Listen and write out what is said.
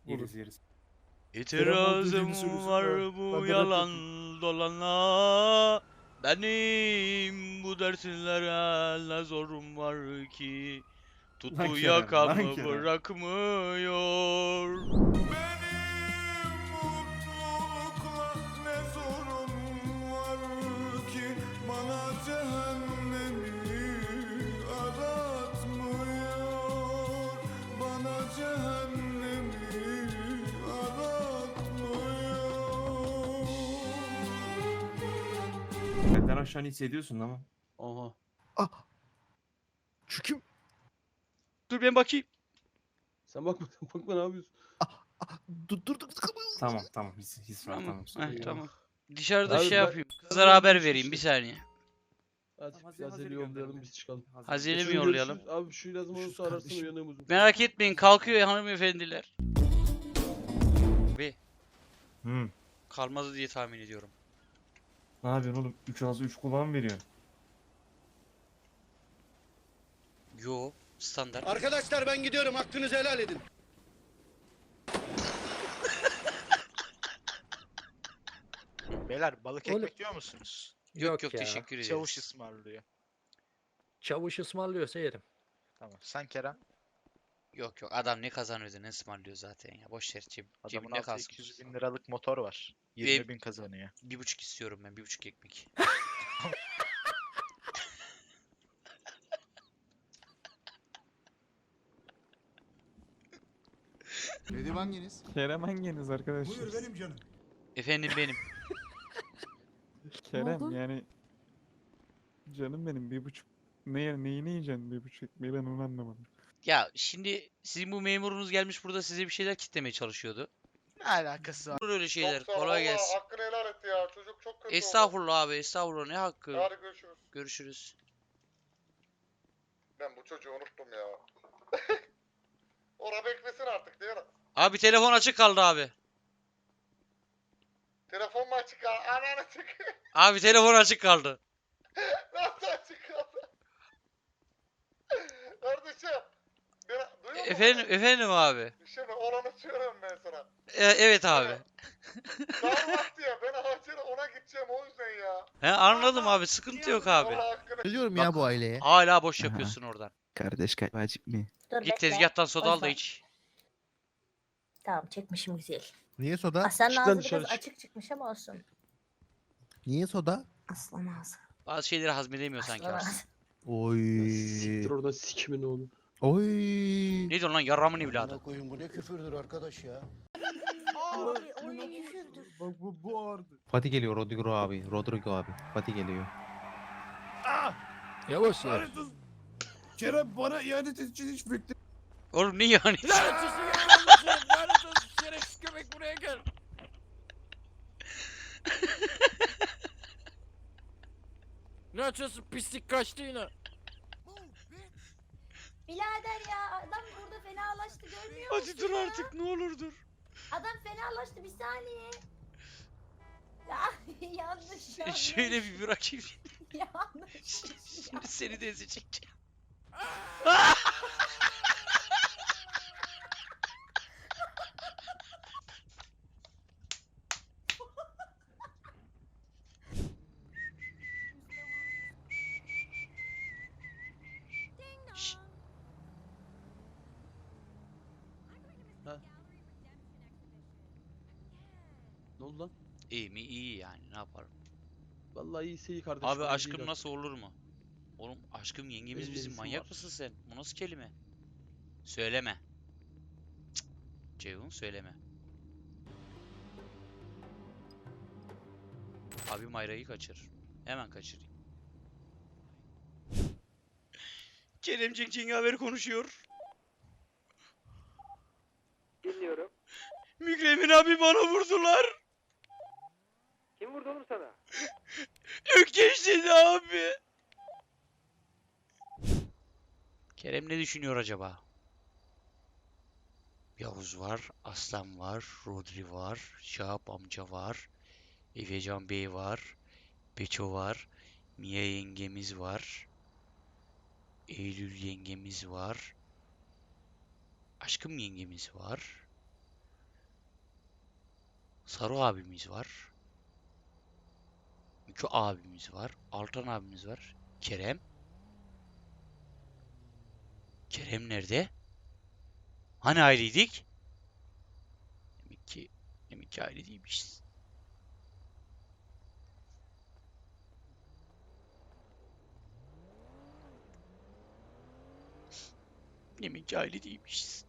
Yeriz yeriz. İtirazım var bu yalan dolana. Benim bu derslere ne zorum var ki? Lan Tuttu Kerem, lan yakamı Kerem. bırakmıyor. Benim mutlulukla ne zorum var ki bana cehennemi aratmıyor, bana cehennemi aratmıyor. Benden aşağı hissediyorsun ama. Aha. Şu kim? Dur ben bakayım. Sen bakma bakma ne yapıyorsun? Dur. Tamam his var Tamam. tamam. Heh, tamam. Dışarıda Abi şey ben- yapayım. Kızlara haber vereyim bir saniye. Hadi Tamam, biraz Hazeli yollayalım gönderelim. biz çıkalım. Hazeli mi Şunu yollayalım? görüşürüz. Abi şu lazım olursa Görüşürüz ararsın kardeşim. uyanığım uzun. Merak etmeyin kalkıyor ya hanımefendiler. Hı. Kalmaz diye tahmin ediyorum. Ne yapıyorsun oğlum? 3 ağzı 3 kulağın veriyorsun. Yo standart. Arkadaşlar ben gidiyorum. Hakkınızı helal edin. Beyler balık Oğlum- ekmek yiyor musunuz? Yok yok ya. teşekkür ederiz. Çavuş ısmarlıyor. Çavuş ısmarlıyorsa yerim. Tamam. Sen Kerem. Yok adam ne kazanıyordu ne ısmarlıyor zaten ya. Boş ver Adamın cebinde altında kalsın. 200 bin liralık motor var. 20 bin kazanıyor. 1,5 istiyorum ben 1,5 ekmek. Nedim hanginiz? Kerem hanginiz arkadaşlar? Buyur benim canım. Efendim benim. Kerem yani canım benim 1,5 neyini yiyeceksin 1,5 ekmeği ben onu anlamadım. Ya şimdi sizin bu memurunuz gelmiş burada size bir şeyler kitlemeye çalışıyordu. Ne alakası var? Olur öyle şeyler. Kolay gelsin. Hakkını helal et ya. Çocuk çok kötü Estağfurullah abi estağfurullah ne hakkı. Hadi görüşürüz. Görüşürüz. Ben bu çocuğu unuttum ya. Ora beklesin artık diyor. Abi telefon açık kaldı abi. Telefon mu açık kaldı? Anan açık. Abi telefon açık kaldı. Nasıl açık kaldı? Kardeşim. Duyuyor musun? Efendim abi. Bir şey mi? Olanı söylüyorum ben sana. Evet abi. Dar vakti ya. Ben acele ona gideceğim o yüzden ya. He anladım abi sıkıntı yok abi. Allah hakkını. Biliyorum ya bu aileye. Hala boş Aha. yapıyorsun oradan. Kardeş vacip mi? Dur Git bekle. tezgahtan soda al da Boş ver. iç. Tamam çekmişim güzel. Niye soda? Aslanın Çık lan ağzı dışarı biraz çık. açık çıkmış ama olsun. Niye soda? Aslan ağzı. Bazı şeyleri hazmedemiyor sanki Aslan aslında. ağzı. Oy. Siktir oradan sikimin oğlu. Oy. Ne diyorsun lan yarramın evladı. Koyun bu ne küfürdür arkadaş ya. O ne küfürdür. Bak bu ağırdı. Fatih geliyor Rodrigo abi. Fatih geliyor. Yavaş ya. Kerem bana ihanet için hiç bekle. Oğlum ne yani? Şerefsiz köpek buraya gel. Ne açıyorsun pislik kaçtı yine. Birader ya adam burada fenalaştı görmüyor musun Hadi dur ya? artık ne olur dur. Adam fenalaştı bir saniye. Ya yanlış yanlış. Şöyle bir bırakayım. Yanlış. Şimdi seni de ezecek. Şşt, Ne oldu lan? İyi mi? İyi yani ne yaparım. Vallahi iyiyse iyi kardeşim. Abi iyi aşkım değil nasıl olur mu? Oğlum aşkım yengemiz Benim bizim nefesim manyak var. mısın sen? Bu nasıl kelime? Söyleme. Cık, Ceyhun söyleme. Abi Mayra'yı kaçır. Hemen kaçırayım. Keremcik Cengaver konuşuyor. Dinliyorum. Mükremin abi bana vurdular. Kim vurdu oğlum sana? Ökkeş dedi abi. Kerem ne düşünüyor acaba? Yavuz var, Aslan var, Rodri var, Şahap amca var, Efecan Bey var, Beço var, Mia yengemiz var, Eylül yengemiz var, Aşkım yengemiz var, Saru abimiz var. Miko abimiz var. Altan abimiz var. Kerem. Kerem nerede? Hani aileydik? Demek ki aile değilmişiz. Demek ki aile değilmişiz.